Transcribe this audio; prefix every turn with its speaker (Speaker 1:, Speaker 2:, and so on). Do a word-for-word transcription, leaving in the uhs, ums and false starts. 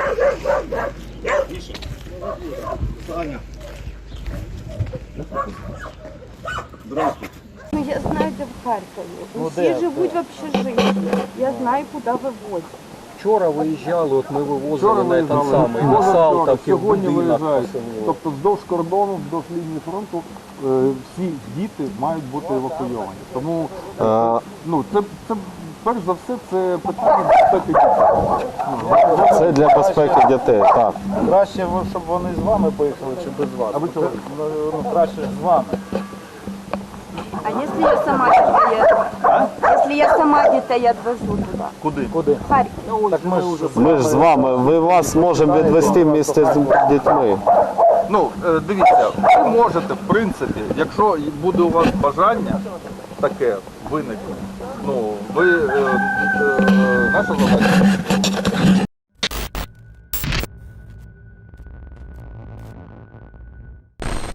Speaker 1: Саня. Здравствуйте.
Speaker 2: Ну, я знаю, де в Харкові.
Speaker 3: Ну,
Speaker 2: Усі
Speaker 3: де?
Speaker 2: живуть в общежитті. Я знаю, куди вивозять.
Speaker 3: Вчора виїжджали, от ми
Speaker 4: Вчора
Speaker 3: вивозили на
Speaker 4: виїжджали,
Speaker 3: той самий, на
Speaker 4: позавчора,
Speaker 3: Салтовки, в
Speaker 4: сьогодні
Speaker 3: будинок
Speaker 4: виїжджають.
Speaker 3: поселили.
Speaker 4: Тобто вздовж кордону, вздовж лінії фронту е, всі діти мають бути евакуйовані. Тому е, ну, це, це, перш за все, це питання безпеки дітей.
Speaker 5: Це для безпеки дітей, так.
Speaker 6: Краще, щоб вони з вами поїхали, чи без вас?
Speaker 4: А ви чого?
Speaker 6: Ну, краще з вами.
Speaker 2: А якщо я сама дітей, якщо я сама дітей відвезу туди?
Speaker 6: Куди?
Speaker 3: Куди?
Speaker 2: В Харків.
Speaker 6: Так ми вже
Speaker 5: Ми ж з вами, ми вас можемо відвести місце з дітьми.
Speaker 4: Ну, е, дивіться, ви можете, в принципі, якщо буде у вас бажання таке виникне, ну, ви, е, е, наша задача